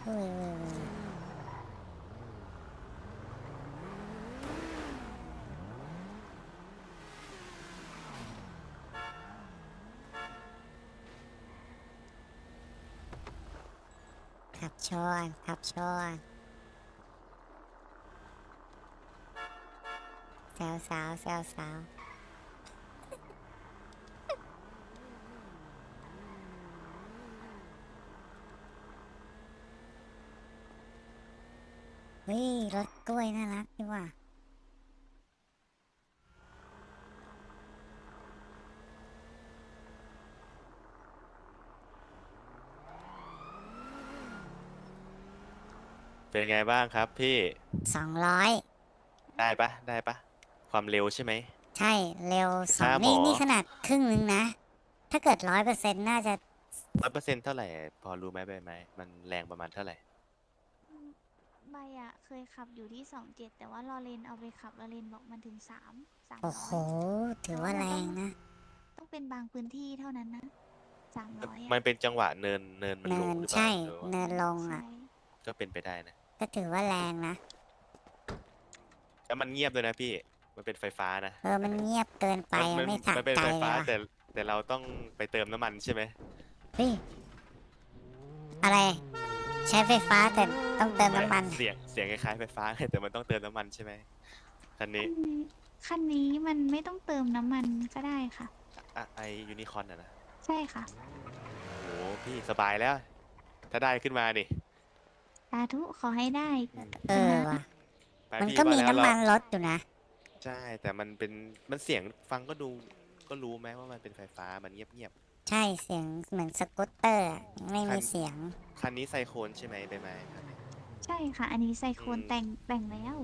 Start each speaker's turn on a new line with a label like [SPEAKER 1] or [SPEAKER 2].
[SPEAKER 1] อุ้ยขับชนขับชนแซวสาวแซวสาวเฮ้ยรถกล้วยน่ารักดีว่ะ
[SPEAKER 2] เป็นไงบ้างครับพี่
[SPEAKER 1] 200
[SPEAKER 2] ได้ปะความเร็วใช่ไหม
[SPEAKER 1] ใช่เร็วสอง
[SPEAKER 2] ค่าหมอ
[SPEAKER 1] นี่ขนาดครึ่งนึงนะถ้าเกิด100%น่าจะ
[SPEAKER 2] 100%เท่าไหร่พอรู้ไหมใบไหมมันแรงประมาณเท่าไหร่
[SPEAKER 3] อืมใบอะเคยขับอยู่ที่27แต่ว่าลอเรนเอาไปขับลอเรนบอกมันถึงสาม
[SPEAKER 1] โอ้โห
[SPEAKER 3] ร้อย
[SPEAKER 1] ถือว่าแรงนะ
[SPEAKER 3] ต้องเป็นบางพื้นที่เท่านั้นนะ300
[SPEAKER 2] มั
[SPEAKER 3] อะ
[SPEAKER 2] นเป็นจังหวะเนินมันล
[SPEAKER 1] เนิ
[SPEAKER 2] งหรือเปล่า
[SPEAKER 1] นใช่
[SPEAKER 2] หรือว่า
[SPEAKER 1] เนินลง
[SPEAKER 3] ใช่
[SPEAKER 1] อ่ะ
[SPEAKER 2] ก็เป็นไปได้นะ
[SPEAKER 1] ก็ถือว่าแรงนะ
[SPEAKER 2] แล้วมันเงียบด้วยนะพี่มันเป็นไฟฟ้านะ
[SPEAKER 1] มัน
[SPEAKER 2] อันเนี้ย
[SPEAKER 1] เงียบเกินไป
[SPEAKER 2] มัน
[SPEAKER 1] ไม่สะ
[SPEAKER 2] มันเป็น
[SPEAKER 1] ใจ
[SPEAKER 2] ไฟฟ้า
[SPEAKER 1] เลยว่ะ
[SPEAKER 2] แต่เราต้องไปเติมน้ำมันใช่ไหม
[SPEAKER 1] เฮ้ยอะไรใช้ไฟฟ้าแต่ต้องเติม
[SPEAKER 2] ไม่
[SPEAKER 1] น้ำมัน
[SPEAKER 2] เสียงคล้ายๆไฟฟ้าแต่มันต้องเติมน้ำมันใช่ไหมคันนี้
[SPEAKER 3] คันนี้คันนี้มันไม่ต้องเติมน้ำมันก็ได้ค่ะ
[SPEAKER 2] ไอยูนิคอร์นอะนะ
[SPEAKER 3] ใช่ค่ะ
[SPEAKER 2] โอ้พี่สบายแล้วถ้าได้ขึ้นมาดิ
[SPEAKER 3] สาธุขอให้ได้
[SPEAKER 1] เออ
[SPEAKER 3] คุณนะ
[SPEAKER 1] ว่ะ
[SPEAKER 2] ไป
[SPEAKER 1] มันก็
[SPEAKER 2] พี่ว่าแล้วเรา
[SPEAKER 1] มีน้ำมันรถอยู่นะ
[SPEAKER 2] ใช่แต่มันเสียงฟังก็ดูก็รู้ไหมว่ามันเป็นไฟฟ้ามันเงียบ
[SPEAKER 1] ใช่เสียงเหมือนสกูตเตอร์อะไม่
[SPEAKER 2] ๆคัน
[SPEAKER 1] มีเสียง
[SPEAKER 2] คันนี้ไซโคนใช่ไหมใบไม้คันนี้
[SPEAKER 3] ใช่ค่ะอันนี้ไซโค
[SPEAKER 2] อืม
[SPEAKER 3] นแต่งแล้ว